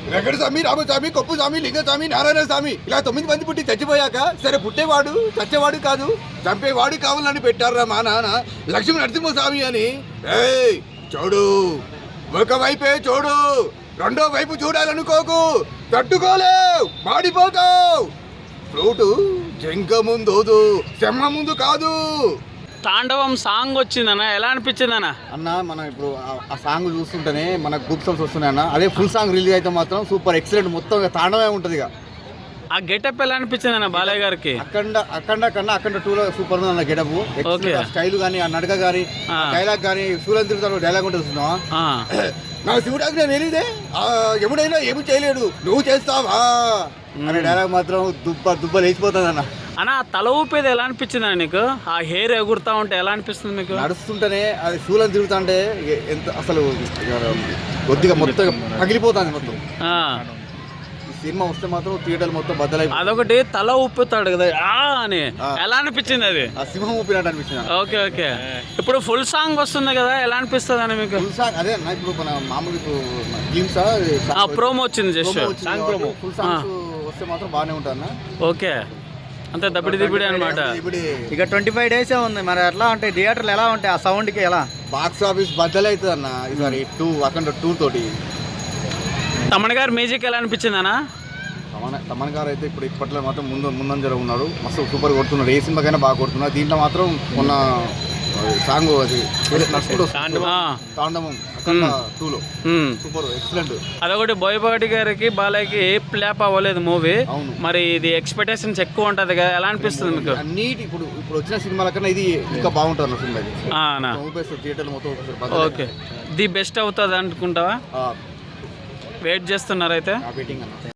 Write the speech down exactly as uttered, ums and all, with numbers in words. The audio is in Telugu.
వెంకట స్వామి, రామస్వామి, కొప్పు స్వామి, లింగస్వామి, నారాయణ స్వామి ఇలా తొమ్మిది మంది పుట్టి చచ్చిపోయాక సరే పుట్టేవాడు చచ్చేవాడు కాదు చంపేవాడు కావాలని పెట్టారా మా నాన్న లక్ష్మీ నరసింహస్వామి అని. ఏయ్ చూడు, ఒకవైపే చూడు, రెండో వైపు చూడాలనుకోకు, తట్టుకోలేవు, మాడిపోతావు. ఫ్రూటు జంక ముందు చెమ్మ ముందు కాదు. తాండవం సాంగ్ వచ్చిందన్న, ఎలా అనిపించిందన్న? అన్న మనం ఇప్పుడు ఆ సాంగ్ చూస్తుంటేనే మనకు గ్రూప్ సాంగ్స్ వస్తున్నాయి అన్న. అదే ఫుల్ సాంగ్ రిలీజ్ అయితే మాత్రం సూపర్ ఎక్సలెంట్, మొత్తం తాండవమే ఉంటుంది. ఇక ఆ గెటప్ ఎలా అనిపించింది అన్న బాలయ్య గారికి? అఖండ అఖండ కన్నా అఖండ టూ లో సూపర్ ఉంది అన్న గెటప్. స్టైల్ కానీ, ఆ నడక కానీ, డైలాగ్ కానీ, సూర్యం తిరుగుతాడు డైలాగ్ ఉంటుంది చూస్తున్నావా? నా శివుడాకి నేను తెలియదే, ఎముడైనా ఏమి చేయలేడు, నువ్వు చేస్తావా అనే డైలాగ్ మాత్రం దుబ్బ దుబ్బ లేచిపోతుంది అన్న. అన్న తల ఊపేది ఎలా అనిపించింది అన్న నీకు? ఆ హెయిర్ ఎగురుతా ఉంటే ఎలా అనిపిస్తుంది మీకు? నడుస్తుంటేనే అది శూలం తిరుగుతా అంటే ఎంత అసలు కొద్దిగా మొత్తం పగిలిపోతుంది మొత్తం. సినిమా వస్తే మాత్రం థియేటర్ మొత్తం బద్దలైపోయి అదొకటి తల ఊపుతాడు కదా ఆ అని, ఎలా అనిపించింది అది? ఆ సింహం ఊపినట్టు అనిపించింది. Okay okay. ఇప్పుడు ఫుల్ సాంగ్ వస్తుంది కదా, ఎలా అనిపిస్తుంది అని మీకు? ఫుల్ సాంగ్ అదే అన్న, ఇప్పుడు మన మామూలు ఇప్పుడు గేమ్స్ ప్రోమో వచ్చింది జస్ట్ ఫుల్ సాంగ్స్ వస్తే మాత్రం బాగానే ఉంటుంది అన్న. ఓకే, అంతే దబ్బిడి దిబ్బిడి అనమాట. ఇక ట్వంటీ ఫైవ్ డేసే ఉంది మరి, ఎట్లా ఉంటాయి థియేటర్లు, ఎలా ఉంటాయి ఆ సౌండ్కి? ఎలా బాక్స్ ఆఫీస్ బద్దలవుతుంది అన్న ఈసారి టూ అఖండ టూ తోటి. తమన్ గారు మ్యూజిక్ ఎలా అనిపించింది అన్న? తమన్ తమన్ గారు అయితే ఇప్పుడు ఇప్పట్లో మాత్రం ముందు ముందంజలో ఉన్నాడు, మస్తు సూపర్ కొడుతున్నాడు. ఏ సినిమాకైనా బాగా కొడుతున్నాడు. దీంట్లో మాత్రం మొన్న సాంగ్ అది తాండవం టూలో సూపర్ ఎక్సలెంట్. అదొకటి బోయపాటి గారికి బాలయ్యకి ఫ్లాప్ అవ్వలేదు మూవీ, మరి ఇది ఎక్స్పెక్టేషన్స్ ఎక్కువ ఉంటది కదా, ఎలా అనిపిస్తుంది మీకు? అన్నిటి ఇప్పుడు ఇప్పుడు వచ్చిన సినిమాల కన్నా ఇది ఇంకా బాగుంటుంది అన్న సినిమా. థియేటర్ మొత్తం ఓకే, ది బెస్ట్ అవుతుంది అనుకుంటావా? వెయిట్ చేస్తున్నారు అయితే? వెయిటింగ్ అన్న.